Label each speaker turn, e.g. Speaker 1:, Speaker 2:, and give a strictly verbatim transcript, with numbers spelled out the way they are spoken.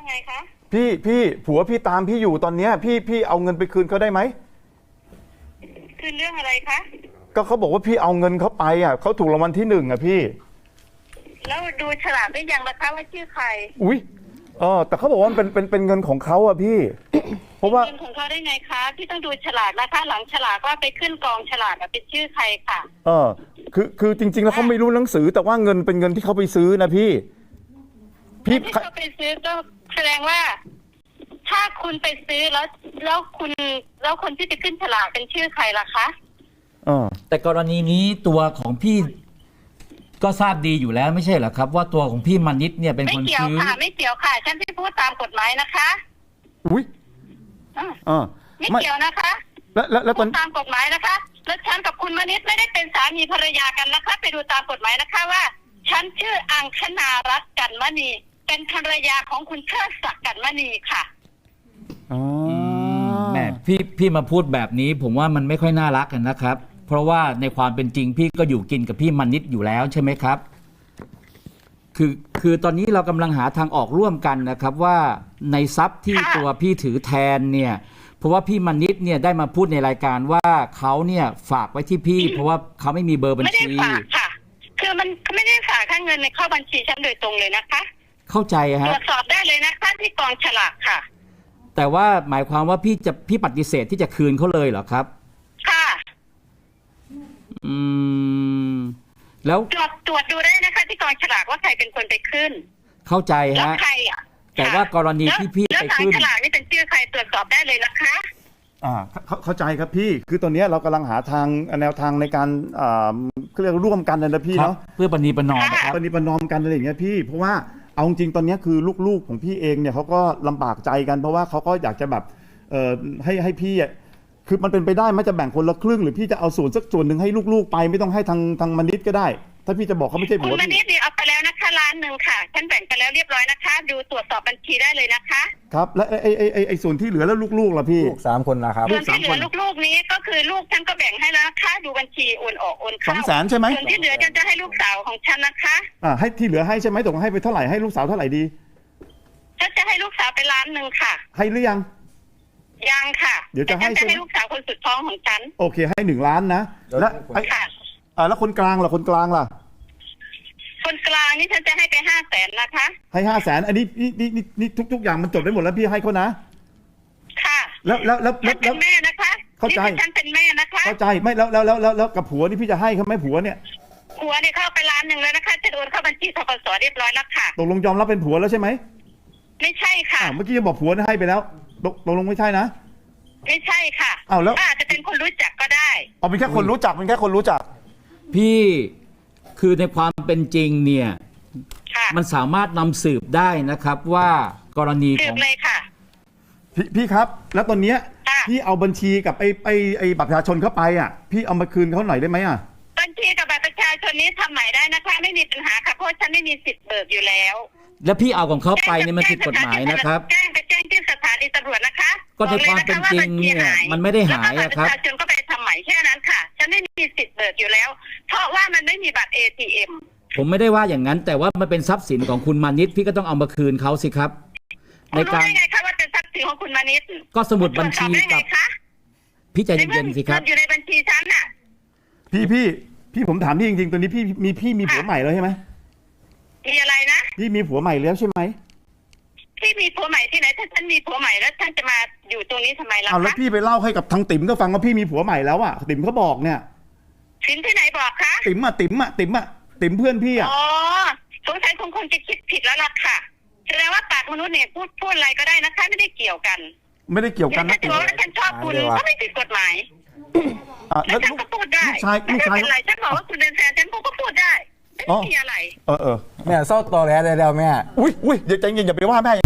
Speaker 1: ไงคะ
Speaker 2: พี่พี่ผัวพี่ตามพี่อยู่ตอนเนี้ยพี่พี่เอาเงินไปคืนเขาได้ไหม
Speaker 1: คืนเรื่องอะไรคะ
Speaker 2: ก็เขาบอกว่าพี่เอาเงินเขาไปอ่ะเขาถูกรางวัลที่หนึ่งอ่ะพี่
Speaker 1: แล้วดูฉลากได้ยังนะคะว่าชื่อใคร
Speaker 2: อุ้ยเออแต่เขาบอกว่ามันเป็นเป็นเป็นเงินของเขาอ่ะพี่ เพราะว่า
Speaker 1: เงินของเขาได้ไงคะพี่ต้องดูฉลากนะคะหลังฉลากว่าไปขึ้นกองฉลากเป็นชื่อใครค่ะ
Speaker 2: เออคือคือจริงๆแล้วเขาไม่รู้หนังสือแต่ว่าเงินเป็นเงินที่เขาไปซื้อนะพี่
Speaker 1: พี่ที่เขาไปซื้อก็แสดงว่าถ้าคุณไปซื้อแล้วแล้วคุณแล้วคนที่จะขึ้นฉลากเป็นชื่อใครล่ะคะ
Speaker 2: เออ
Speaker 3: แต่กรณีนี้ตัวของพี่ก็ทราบดีอยู่แล้วไม่ใช่เหรอครับว่าตัวของพี่มานิดเนี่ยเป็นคนซื้อ
Speaker 1: ไม่เกี่ยวค่ะไม่เกี่ยวค่ะฉันที่พูดตามกฎหมายนะคะ
Speaker 2: อุ้ย
Speaker 1: อ่าไม่เกี่ยวนะคะ
Speaker 2: แล้วแล้วแล้วตอน
Speaker 1: ตามกฎหมายนะคะแล้วฉันกับคุณมานิดไม่ได้เป็นสามีภรรยากันนะคะไปดูตามกฎหมายนะคะว่าฉันชื่ออังคณารัตน์กันมณีเป็นภรรยาของคุณเชิดศักดิ์กันมณีค่ะ
Speaker 2: อ๋อ
Speaker 3: แม่พี่พี่มาพูดแบบนี้ผมว่ามันไม่ค่อยน่ารักกันนะครับเพราะว่าในความเป็นจริงพี่ก็อยู่กินกับพี่มานิดอยู่แล้วใช่ไหมครับคือคือตอนนี้เรากำลังหาทางออกร่วมกันนะครับว่าในทรัพย์ที่ตัวพี่ถือแทนเนี่ยเพราะว่าพี่มานิดเนี่ยได้มาพูดในรายการว่าเขาเนี่ยฝากไว้ที่พี่เพราะว่าเขาไม่มีเบอร์บัญชี
Speaker 1: ไม่ได้ฝากค่ะคือมันไม่ได้ฝากค่าเงินในเข้าบัญชีฉันโดยตรงเลยนะคะ
Speaker 3: เข้าใจฮะ
Speaker 1: ตรวจสอบได้เลยนะคะที่กองฉลากค่ะ
Speaker 3: แต่ว่าหมายความว่าพี่จะพี่ปฏิเสธที่จะคืนเขาเลยเหรอครับ
Speaker 1: ค่ะ
Speaker 3: อืมแล้ว
Speaker 1: ตรวจตรวจดูได้นะคะที่กองฉลากว่าใครเป็นคนไปขึ้น
Speaker 3: เข้าใจฮะ
Speaker 1: แล้วใครอ่ะ
Speaker 3: แต่ว่ากรณีที่พี่ไปขึ้น
Speaker 1: แล้วฉลากนี่เป็นชื่อใครตรวจสอบได้เลยนะคะ
Speaker 2: อ่าเข้าใจครับพี่คือตอนนี้เรากำลังหาทางแนวทางในการอ่าเรียกร่วมกันนะพี่เนาะ
Speaker 3: เพื่อปณีประนอมครับ
Speaker 2: ปณีประนอมกันอะไรอย่างเงี้ยพี่เพราะว่าเอาจริงตอนนี้คือลูกๆของพี่เองเนี่ยเขาก็ลำบากใจกันเพราะว่าเขาก็อยากจะแบบเอ่อให้ให้พี่คือมันเป็นไปได้ไหมจะแบ่งคนละครึ่งหรือพี่จะเอาส่วนสักส่วนหนึ่งให้ลูกๆไปไม่ต้องให้ทางทางมณิษก็ได้ถ้าพี่จะบอกเขาไม่ใช่ผัว
Speaker 1: คุณมณิษเนี่ยเอาไปแล้วนะคะล้านหนึ่งค่ะฉันแบ่งไปแล้วเรียบร้อยนะคะดูตรวจสอบบัญชีได้เลยนะคะ
Speaker 2: ครับและไอ้ไอ้ไอ้ไอ้ส่วนที่เหลือแล้วลูกๆล่ะพี่
Speaker 4: ลูกสามคนนะครับ
Speaker 1: ส่วนที่เหลือลูกๆนี้ก็คือลูกฉันก็แบ่งให้แล้วนะคะดูบัญชีโอนออกโอนเข้า
Speaker 2: สองแสนใช่ไหม
Speaker 1: ส่วนที่เหลือฉันจะให้ลูกสาวของฉันนะคะ
Speaker 2: อ่าให้ที่เหลือให้ใช่ไหมตกลงให้ไปเท่าไหร่ให้ลูกสาวเท่าไหร่ดี
Speaker 1: ฉันจะให้ลูกสาวไปล้านหนึ่งค่ะ
Speaker 2: ให้หรือยัง
Speaker 1: ยังค่ะ
Speaker 2: เดี๋ยวจะให้
Speaker 1: จะให้ลูกสาวคนสุดท้องของฉัน
Speaker 2: โอเคให้หนึ่งล้านนะแล้วไอ้อ่าแล้วคนกลางล่ะคนกลางล่ะ
Speaker 1: คนกลางนี่ฉันจะให้ไปห้าแสนนะคะ
Speaker 2: ให้ห้าแสนอันนี้นี่นี่นี่นี่ทุกทุกอย่างมันจบได้หมดแล้วพี่ให้เขานะ
Speaker 1: ค่ะ
Speaker 2: แล้วแล้วแล้ว
Speaker 1: ฉันเป็นแม่นะคะ
Speaker 2: เข้าใจ
Speaker 1: ฉันเป็นแม่นะคะ
Speaker 2: เข้าใจไม่แล้วแล้วแล้วแล้วแล้วกับผัวนี่พี่จะให้เขาไหมผัวเนี่ย
Speaker 1: ผัวเนี่ยเข้าไปล้านหนึ่งแล้วนะคะจะโอนเข้าบัญชีธกสเรียบร้อยแล้วค่ะ
Speaker 2: ตกลงยอมรับเป็นผัวแล้วใช่ไหม
Speaker 1: ไม่ใช่ค่ะ
Speaker 2: เมื่อกี้จะบอกผัวให้ไปแล้วตกตกลงไม่ใช่นะ
Speaker 1: ไม่ใช่ค่ะ
Speaker 2: อ้าวแล้ว
Speaker 1: อาจจะเป็นคนรู้จักก็ได้
Speaker 2: เอาเป็นแค่คนรู้จักเป็นแค่คนรู้จัก
Speaker 3: พี่คือในความเป็นจริงเนี่ยมันสามารถนำสืบได้นะครับว่ากรณีของ
Speaker 1: เลยค่ะ
Speaker 2: พี่พี่ครับแล้วตอนเนี้ยพี่เอาบัญชีกับไอ้ไอ้ไอ้บัตรประชาชนเข้าไปอ่ะพี่เอามาคืนเขาหน่อยได้ไหมอ่ะ
Speaker 1: บัญชีกับบัตรประชาชนนี้ทำใหม่ได้นะคะไม่มีปัญหาค่ะเพราะฉันไม่มีสิทธิ์เบิกอยู่แล้ว
Speaker 3: แล้วพี่เอาของเขาไปเนี่ยมันผิดกฎหมายนะครับ
Speaker 1: แจ้งไปแจ้งที่สถานีตำรวจนะคะ
Speaker 3: ก็ในความเป็นจริงเนี่ยมันไม่ได้หายอะครับ
Speaker 1: ประชาชนก็ไปทำใหม่แค่นั้นค่ะฉันไม่มีสิทธิ์เบิกอยู่แล้วเพราะว่ามันไม่มีบัตร เอ ที เอ็ม
Speaker 3: ผมไม่ได้ว่าอย่างนั้นแต่ว่ามันเป็นทรัพย์สินของคุณมานิดพี่ก็ต้องเอามาคืนเขาสิครับ
Speaker 1: ในการรู้ได้ไงคะว่าเป็นทรัพย์สินของคุณมานิด
Speaker 3: ก็สมุดบัญชีกับพี่ใจเย็นๆสิครับ
Speaker 1: อยู่ในบัญชีฉันน่ะ
Speaker 2: พี่พี่พี่ผมถามพี่จริงๆตัวนี้พี่มีพี่มีผัวใหม่แล้วใช่ไหม
Speaker 1: มีอะไรนะ
Speaker 2: พี่มีผัวใหม่แล้วใช่ไหม
Speaker 1: พี่มีผัวใหม่ที่ไหนถ้าฉันมีผัวใหม่แล้วฉันจะมาอยู่ตรงนี้ทำไมล่ะ
Speaker 2: เอาแล้วพี่ไปเล่าให้กับทางติ๋มก็ฟังว่าพี่มีผัวใหม่แล้วอ่ะติ๋มเขาบอกเนี่ย
Speaker 1: ติ๋มที่ไหนบอกคะ
Speaker 2: ติ๋มอ่ะติ๋มอ่ะติ๋มอ่ะติ๋มเพื่อนพี่อ่ะ
Speaker 1: อ๋อสงสัยคงคงจะคิดผิดแล้วล่ะค่ะแสดงว่าปากมนุษย์เนี่ยพูดพูดอะไรก็ได้นะคะไม่ได้เกี่ยวกัน
Speaker 2: ไม่ได้เกี่ยวกัน
Speaker 1: นะแต่ว่าฉันชอบคุณก็ไม่ผิดกฎหมายแล้วฉันก็พูดได้
Speaker 2: ลูกชายลูกชาย
Speaker 1: อะไรฉันบอกว่าคุณเป็นแฟนฉันก็พูดได้ไม่มีอะไร
Speaker 2: เออเออ
Speaker 4: แม่เศร้าตอแหลได้แล้วแม่
Speaker 2: อุ้ยอุ้ยอย่าใจเย็นอย่าไปว่าแม่